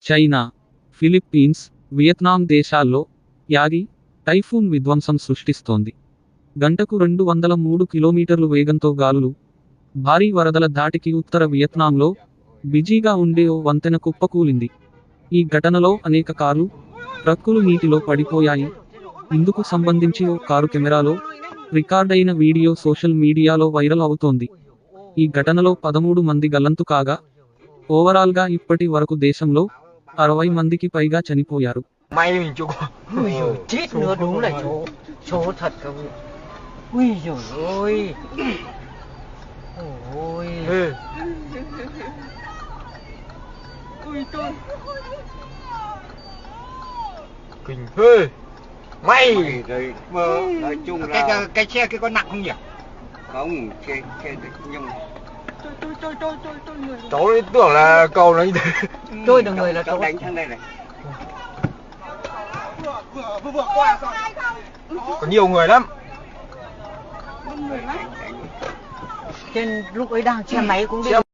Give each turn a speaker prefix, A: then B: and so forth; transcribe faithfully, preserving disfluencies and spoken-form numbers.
A: China, Philippines, Vietnam దేశాల్లో Yagi typhoon విధ్వంసం సృష్టిస్తోంది. గంటకు రెండు వందల మూడు కిలోమీటర్లు వేగంతో గాలులు, భారీ వరదల ధాటికి ఉత్తర వియత్నాంలో బిజీగా ఉండే ఓ వంతెన కుప్పకూలింది. ఈ ఘటనలో అనేక కార్లు, ట్రక్కులు నీటిలో పడిపోయాయి. ఇందుకు సంబంధించి ఓ కారు కెమెరాలో రికార్డైన వీడియో సోషల్ మీడియాలో వైరల్ అవుతోంది. ఈ ఘటనలో పదమూడు మంది గల్లంతు కాగా, ఓవరాల్గా ఇప్పటి వరకు దేశంలో అరవై మందికి పైగా చనిపోయారు.
B: May mình chịu quá.
C: Ui giời, chết nữa, đúng là số số thật cơ. Ui giời ơi. Ôi.
B: Ê, kinh phê. May.
D: Rồi mơ nói chung
B: Cái,
D: là
B: cái cái xe kia có nặng không nhỉ?
D: không xe xe nhưng
B: Cháu ấy tưởng là cầu nó như thế.
C: Trôi được người là
D: cháu
C: số.
D: đánh sang đây này.
B: Có nhiều người lắm.
C: Trên lúc ấy đang xe máy cũng đi.
B: Xe